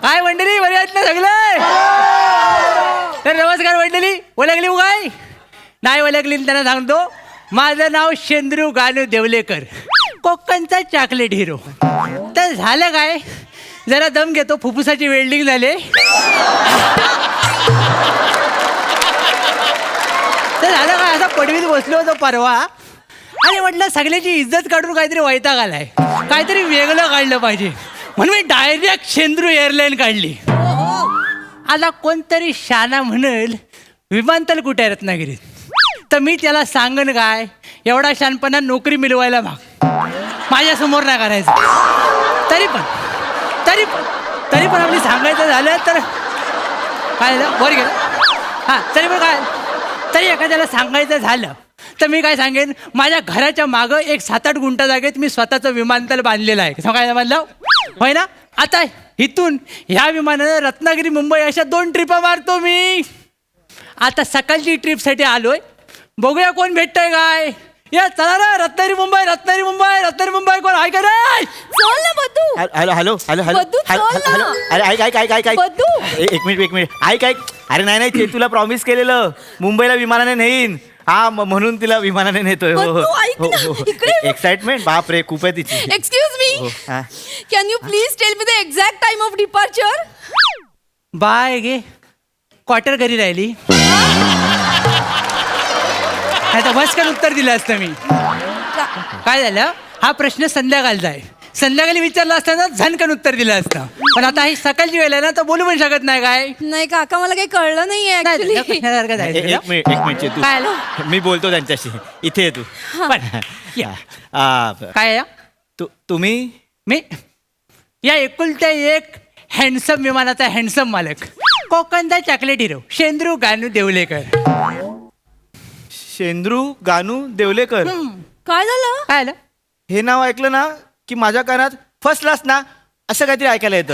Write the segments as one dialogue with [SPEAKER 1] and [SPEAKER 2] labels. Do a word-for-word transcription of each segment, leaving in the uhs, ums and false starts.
[SPEAKER 1] काय मंडळी, बरे आहेत ना सगळे? तर नमस्कार मंडळी. ओळखली उगाय नाही ओळखली त्यांना सांगतो, माझं नाव शेंद्रू गानू देवलेकर, कोकणचा चॉकलेट हिरो. तर झालं काय, जरा दम घेतो, फुफ्फुसाची वेल्डिंग झाले. तर झालं काय, असा पडवीत बसलो होतो परवा आणि म्हटलं सगळ्याची इज्जत काढून काहीतरी वैताग आलाय, काहीतरी वेगळं काढलं पाहिजे, म्हणून मी डायरेक्ट शेंद्रू एअरलाईन काढली. आता कोणतरी शाना म्हणेल विमानतळ कुठे आहे रत्नागिरीत, तर मी त्याला सांगन काय, एवढा शानपणा नोकरी मिळवायला भाग माझ्यासमोर नाही करायचं. तरी पण तरी पण तरी पण आपली सांगायचं झालं तर काय झालं, वर गेलं. हां, तरी पण काय, तरी एखाद्याला सांगायचं झालं तर मी काय सांगेन, माझ्या घराच्या मागं एक सात आठ गुंठा जागेत मी स्वतःचं विमानतळ बांधलेलं आहे. सांगायला बांधलं होय ना. आता इथून ह्या विमानानं रत्नागिरी मुंबई अशा दोन ट्रिपा मारतो मी. आता सकाळची ट्रिपसाठी आलोय, बघूया कोण भेटतंय काय. या चला ना, रत्नागिरी मुंबई रत्नागिरी मुंबई रत्नागिरी मुंबई, कोण आहे का रे?
[SPEAKER 2] चल ना Baddu.
[SPEAKER 3] Hello hello hello hello
[SPEAKER 2] Baddu,
[SPEAKER 3] hello
[SPEAKER 2] चल ना.
[SPEAKER 3] हॅलो अरे ऐक ऐक ऐक ऐक ऐक
[SPEAKER 2] बद्दू.
[SPEAKER 3] ए- एक मिनिट एक मिनिट ऐक ऐक अरे नाही नाही ते तुला प्रॉमिस केलेलं मुंबईला विमानाने नेईन. हा म- म्हणून तिला विमानाने नेतोय. हो
[SPEAKER 2] बद्दू, ऐक ना, इकडे बघ.
[SPEAKER 3] एक्साइटमेंट बाप रे खूप आहे तिची.
[SPEAKER 2] एक्सक्यूज मी,
[SPEAKER 3] हो, हा.
[SPEAKER 2] Can you please tell me the exact time of departure?
[SPEAKER 1] बाय गे क्वार्टर घरी राहिली, नाही तर बसकन उत्तर दिलं असतं मी. काय झालं, हा प्रश्न संध्याकाळचा आहे, संध्याकाळी विचारला असताना झनकन उत्तर दिलं असतं. पण आता ही सकाळची वेळ आहे ना, तर बोलू पण शकत नाही. काय
[SPEAKER 2] नाही काका, मला काही कळलं नाहीये ऍक्च्युली.
[SPEAKER 3] ए- एक मिनिट एक मिनिट तू
[SPEAKER 1] काय आलं?
[SPEAKER 3] मी बोलतो त्यांच्याशी. इथे ये तू.
[SPEAKER 1] पण
[SPEAKER 3] या. आ,
[SPEAKER 1] काय आहे?
[SPEAKER 3] तू तुम्ही
[SPEAKER 1] मी या एकुलत्या एक हँडसम विमानाचा हँडसम मालक, कोकणचा चॉकलेट हिरो शेंद्रू गानू देवलेकर.
[SPEAKER 3] शेंद्रू गानू देवलेकर.
[SPEAKER 2] काय झालं?
[SPEAKER 1] काय आलं?
[SPEAKER 3] हे नाव ऐकलं ना की माझ्या कानात फर्स्ट क्लास ना असं काहीतरी ऐकायला येतं.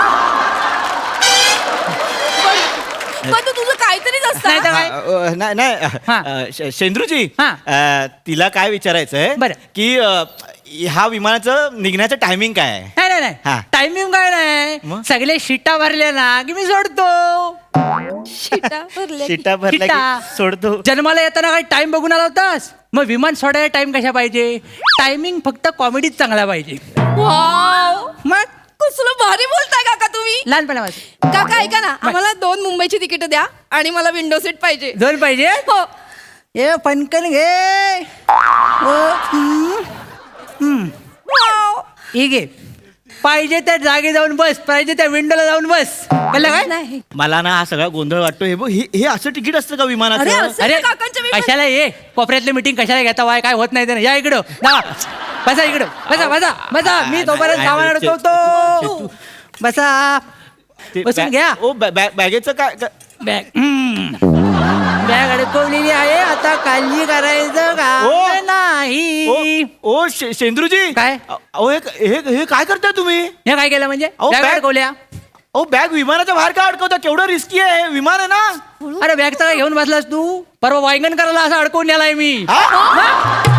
[SPEAKER 2] बद्दू, तुझं काहीतरीच
[SPEAKER 1] नाही तर
[SPEAKER 2] असतं.
[SPEAKER 1] काय?
[SPEAKER 3] अ, नाही नाही
[SPEAKER 1] हा.
[SPEAKER 3] अ, श- शेंद्रूजी
[SPEAKER 1] हा.
[SPEAKER 3] अ, तिला काय विचारायचंय
[SPEAKER 1] बरं.
[SPEAKER 3] की अ, ह्या विमानाचं निघण्याचं टायमिंग काय आहे?
[SPEAKER 1] नाही नाही
[SPEAKER 3] हा.
[SPEAKER 1] नाही, टायमिंग काय नाही,
[SPEAKER 3] मग?
[SPEAKER 1] सगळे शिटा भरल्या ना की मी सोडतो.
[SPEAKER 2] शिटा भरल्या.
[SPEAKER 3] शिटा भरल्या
[SPEAKER 1] शिटा.
[SPEAKER 3] की सोडतो.
[SPEAKER 1] जन्माला येताना काय टाइम बघून आला होतास, मग विमान सोडायला टाइम कशा पाहिजे, टायमिंग फक्त कॉमेडीच चांगला पाहिजे.
[SPEAKER 2] वाव,
[SPEAKER 1] मग
[SPEAKER 2] कसलं भारी बोलताय काका तुम्ही.
[SPEAKER 1] लहानपणापासून
[SPEAKER 2] काका ऐका ना, आम्हाला दोन मुंबईची तिकीट द्या आणि मला विंडो सीट पाहिजे.
[SPEAKER 1] दोन पाहिजे.
[SPEAKER 2] हो.
[SPEAKER 1] ए पणकन घे. ओ, हम्म, हम्म.
[SPEAKER 2] वाव.
[SPEAKER 1] ही घे. पाहिजे त्या जागी जाऊन बस, पाहिजे त्या विंडोला जाऊन बस. कळलं काय?
[SPEAKER 2] नाही.
[SPEAKER 3] मला ना हा सगळा गोंधळ वाटतो. हे बघ, हे हे असं तिकीट असतं का
[SPEAKER 2] अरे,
[SPEAKER 3] विमानाचं?
[SPEAKER 2] असं-
[SPEAKER 1] अरे
[SPEAKER 2] काकांच्या विमान-
[SPEAKER 1] कशाला ये कोपऱ्यातली मीटिंग कशाला घेता, वाय काय होत नाही त्यानं. या इकडं जा, बसा इकडं, बसा बसा बसा. मी तोपर्यंत
[SPEAKER 3] नाही,
[SPEAKER 1] सामान
[SPEAKER 3] नाही,
[SPEAKER 1] अडकवतो. बसा,
[SPEAKER 3] ते
[SPEAKER 1] बसून
[SPEAKER 3] बॅ-
[SPEAKER 1] घ्या.
[SPEAKER 3] ओ बॅ- बॅ- बॅगेचं काय काय-
[SPEAKER 1] बॅग बॅग अडकवलेली आहे, आता काळजी करायचं
[SPEAKER 3] ओ.
[SPEAKER 1] का नाही.
[SPEAKER 3] ओ ओ शे- शेंद्रूजी
[SPEAKER 1] काय?
[SPEAKER 3] अहो हे हे हे काय करताय तुम्ही?
[SPEAKER 1] हे काय केलं म्हणजे,
[SPEAKER 3] अहो,
[SPEAKER 1] बॅग
[SPEAKER 3] बॅग-
[SPEAKER 1] अडकवल्या.
[SPEAKER 3] अहो बॅग विमानाच्या बाहेर का अडकवता? केवढं रिस्की आहे, विमान आहे ना.
[SPEAKER 1] अरे बॅगचा काय घेऊन बसलास तू, परवा वायगण करायला असं अडकवून नेलाय मी.
[SPEAKER 3] हा?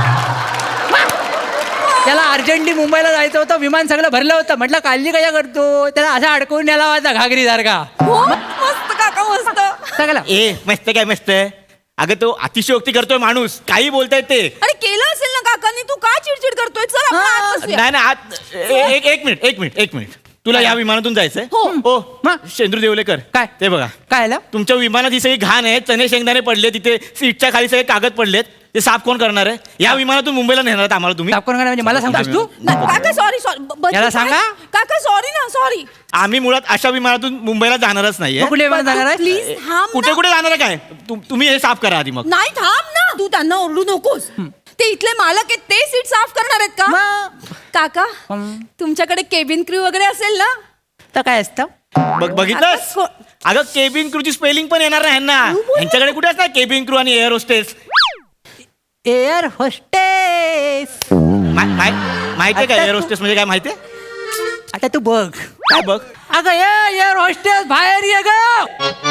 [SPEAKER 1] त्याला अर्जंटली मुंबईला जायचं होतं, विमान सगळं भरलं होतं, म्हटलं काळजी कशा करतो, त्याला असं अडकवून नेला होता घागरी सारखा
[SPEAKER 2] हो, मस्त काका, मस्त.
[SPEAKER 1] सगळं.
[SPEAKER 3] ए मस्त काय मस्त आहे. अगं तो अतिशयोक्ती करतोय माणूस, काही बोलतायत ते.
[SPEAKER 2] अरे केलं असेल ना काकांनी, तू का चिडचिड करतोय? चल आपण आत बसूया.
[SPEAKER 3] नाही नाही आत- ए- एक एक मिनिट एक मिनिट एक मिनिट तुला या विमानातून जायचंय?
[SPEAKER 2] हो.
[SPEAKER 3] हो
[SPEAKER 1] मग?
[SPEAKER 3] शेंद्रू देवलेकर
[SPEAKER 1] काय?
[SPEAKER 3] ते बघा,
[SPEAKER 1] काय आलं?
[SPEAKER 3] तुमच्या विमानात ही सगळी घाण आहे, चणे शेंगदाणे पडले तिथे, सीटच्या खाली सगळे कागद पडलेत, ते साफ कोण करणार आहे? या विमानातून मुंबईला नेणार आहेत आम्हाला तुम्ही?
[SPEAKER 1] साफ करून म्हणजे मला सांगतोस तू?
[SPEAKER 2] नाही, काका सॉरी सॉरी.
[SPEAKER 1] याला सांगा.
[SPEAKER 2] काका सॉरी ना, सॉरी.
[SPEAKER 3] आम्ही मुळात अशा विमानातून मुंबईला जाणारच नाहीये.
[SPEAKER 1] मग कुठल्या विमानात जाणार आहे?
[SPEAKER 2] प्लीज थांब
[SPEAKER 3] कुठे
[SPEAKER 2] ना.
[SPEAKER 3] कुठे जाणार आहे काय? तु- तुम्ही हे साफ करा आधी मग.
[SPEAKER 2] नाही थांब ना, तू त्यांना ओरडू नकोस. ते इथले मालक आहेत, ते सीट साफ करणार आहेत का?
[SPEAKER 1] मग?
[SPEAKER 2] काका,
[SPEAKER 1] हं.
[SPEAKER 2] तुमच्याकडे केबिन क्रू वगैरे असेल ना?
[SPEAKER 1] तर काय असतं?
[SPEAKER 3] बघ बघितलंस?
[SPEAKER 2] आता
[SPEAKER 3] अगं केबिन क्रूची स्पेलिंग पण येणार नाही ना यांच्याकडे. कुठे असणार केबिन क्रू आणि एअर होस्टेस?
[SPEAKER 1] Air hostess.
[SPEAKER 3] माहितीये का
[SPEAKER 1] आता
[SPEAKER 3] एअर
[SPEAKER 1] तू-
[SPEAKER 3] होस्टेस म्हणजे काय माहितीये?
[SPEAKER 1] आता तू बघ.
[SPEAKER 3] काय बघ?
[SPEAKER 1] अगं ये एअर होस्टेस बाहेर ये ग.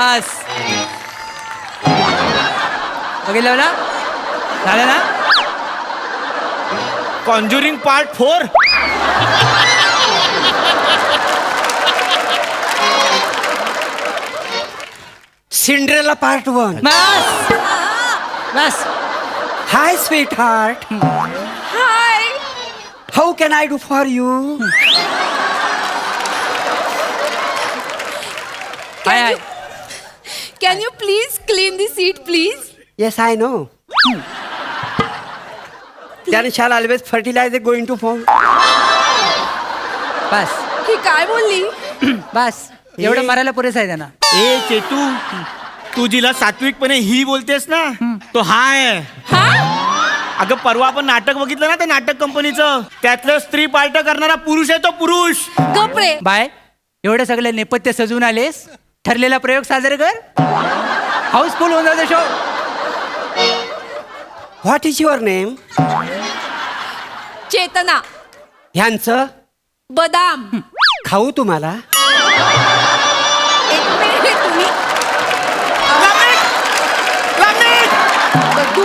[SPEAKER 1] बस बघितलं ना झालं ना
[SPEAKER 3] conjuring part four
[SPEAKER 4] Cinderella part one.
[SPEAKER 1] बस बस
[SPEAKER 4] hi sweetheart,
[SPEAKER 2] hi
[SPEAKER 4] how can I do for you?
[SPEAKER 1] Hi hi
[SPEAKER 2] can you please clean the seat please?
[SPEAKER 4] Yes I know. Then shall always fertilizer going to form.
[SPEAKER 1] बस
[SPEAKER 2] ही काय बोलली?
[SPEAKER 1] बस एवढं मारायला पुरेसं आहे त्यांना.
[SPEAKER 3] ए चेतू तू जिला सात्विकपणे ही बोलतेस ना तो हा आहे.
[SPEAKER 2] हा
[SPEAKER 3] अगं परवा आपण नाटक बघितलं ना ते नाटक कंपनीचं त्यातलं स्त्री पार्ट करणारा पुरुष आहे तो पुरुष.
[SPEAKER 2] गपरे.
[SPEAKER 1] बाय एवढं सगळं नेपथ्य सजवून आलेस ठरलेला प्रयोग साजरे कर हाऊसफुल होऊन जाऊ show.
[SPEAKER 4] What is your name?
[SPEAKER 2] Chetana
[SPEAKER 4] ह्यांचं
[SPEAKER 2] बदाम.
[SPEAKER 4] खाऊ तुम्हाला?
[SPEAKER 2] एक मिनिट तुम्ही बघू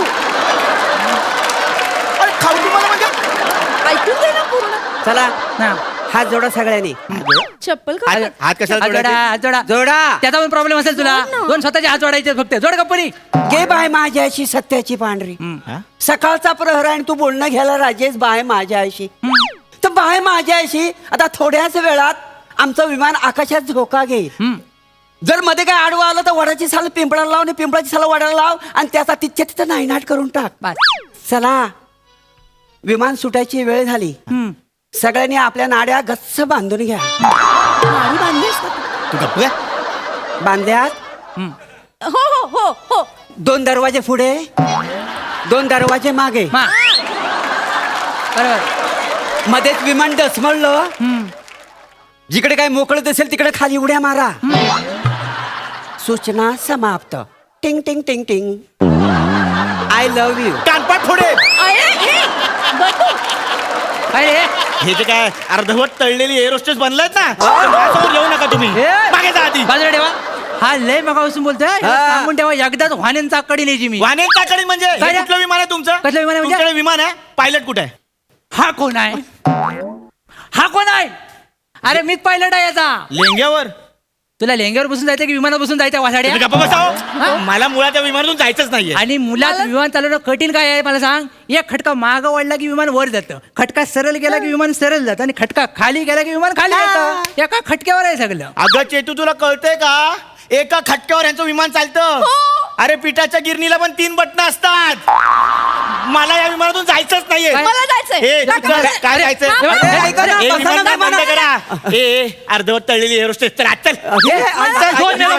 [SPEAKER 3] अरे खाऊ तुम्हाला म्हणजे
[SPEAKER 2] ऐकून दे ना पूर्ण.
[SPEAKER 4] चला
[SPEAKER 1] हा.
[SPEAKER 4] हात जोडा सगळ्यांनी.
[SPEAKER 2] चप्पल
[SPEAKER 3] हात
[SPEAKER 2] का
[SPEAKER 3] हात कशाला
[SPEAKER 1] हात जोडा
[SPEAKER 3] जोडायचे?
[SPEAKER 1] हात जोडा
[SPEAKER 4] जोडा.
[SPEAKER 1] त्याचा पण प्रॉब्लेम असेल तुला
[SPEAKER 2] जोड ना.
[SPEAKER 1] दोन स्वतःचे हात जोडायचे फक्त जोड कंपनी.
[SPEAKER 4] गे बाय माझ्याशी सत्याची पांढरी.
[SPEAKER 3] हा?
[SPEAKER 4] सकाळचा प्रहर आहे आणि तू बोलणं घ्यायला राजेश बाय माझ्याशी. तर बाय माझ्याशी आता थोड्याच वेळात आमचं विमान आकाशात झोका घेईल. जर मध्ये काय आडवं आलं तर वडाची साल पिंपळाला लाव आणि पिंपळाची साल वडाला लाव आणि त्याचा तिथच्या तिथं नायनाट करून टाक.
[SPEAKER 1] बस
[SPEAKER 4] चला विमान सुटायची वेळ झाली. सगळ्यांनी आपल्या नाड्या गच्च बांधून घ्या.
[SPEAKER 2] नाडी बांधलीस का तू?
[SPEAKER 3] तू गप्प काय?
[SPEAKER 4] बांधल्यात.
[SPEAKER 2] हो हो हो हो
[SPEAKER 4] दोन दरवाजे पुढे दोन दरवाजे मागे.
[SPEAKER 1] मा बरोबर
[SPEAKER 4] मध्येच विमान डसमळलं. जिकडे काय मोकळं दिसेल तिकडे खाली उड्या मारा. सूचना समाप्त. टिंग टिंग टिंग टिंग. I love you.
[SPEAKER 3] कानपाट थोडे
[SPEAKER 2] अरे हे बघू
[SPEAKER 1] काय रे
[SPEAKER 3] हे जे काय अर्धवट तळलेली एअर होस्टेस बनलायत ना तर माझ्यासमोर येऊ नका तुम्ही.
[SPEAKER 1] ए!
[SPEAKER 3] मागे जा आधी.
[SPEAKER 1] बाजूला ठेवा हा लय मगापासून बोलतोय
[SPEAKER 4] हा.
[SPEAKER 1] सांगून ठेवा एकदाच वाहनांचा आकडी न्यायची मी.
[SPEAKER 3] वाहन चाकडी म्हणजे हे
[SPEAKER 1] काय रे?
[SPEAKER 3] कुठलं विमान आहे तुमचं?
[SPEAKER 1] कसलं विमान आहे म्हणजे?
[SPEAKER 3] तुमच्याकडे विमान आहे पायलट कुठे आहे?
[SPEAKER 1] हा कोण आहे हा कोण आहे? अरे मीच पायलट आहे याचा.
[SPEAKER 3] लेंग्यावर
[SPEAKER 1] तुला लेंग्यावर बसून जायचं की विमानात बसून जायचं वासाड्या?
[SPEAKER 3] तुम्ही गप्प बसाव. मला मुळात त्या विमानातून जायचंच नाहीये.
[SPEAKER 1] आणि मुलात विमान चालवणं कठीण काय आहे मला सांग. एक खटका मागं वळला की विमान वर जातं, खटका सरळ गेला की विमान सरळ जातं आणि खटका खाली गेला की विमान खाली जातं. एका खटक्यावर आहे सगळं.
[SPEAKER 3] अगं चेतू तुला कळतंय का एका खटक्यावर यांचं विमान चालतं. अरे पिठाच्या गिरणीला पण तीन बटणं असतात. मला या विमानातून जायचंच नाहीये.
[SPEAKER 1] काय?
[SPEAKER 2] मला जायचंय.
[SPEAKER 3] ए, तू चल, काय जायचं?
[SPEAKER 2] थांब,
[SPEAKER 1] थांब.
[SPEAKER 3] ए,
[SPEAKER 4] ऐका ना,
[SPEAKER 3] ए,
[SPEAKER 4] बसा
[SPEAKER 3] विमान
[SPEAKER 4] ना,
[SPEAKER 3] बंद
[SPEAKER 4] बसा ना.
[SPEAKER 3] करा. ए, ए, अर्धवट तळलेली एअर होस्टेस चल आत चल.
[SPEAKER 4] हे,
[SPEAKER 1] चल, दोन मिनिटं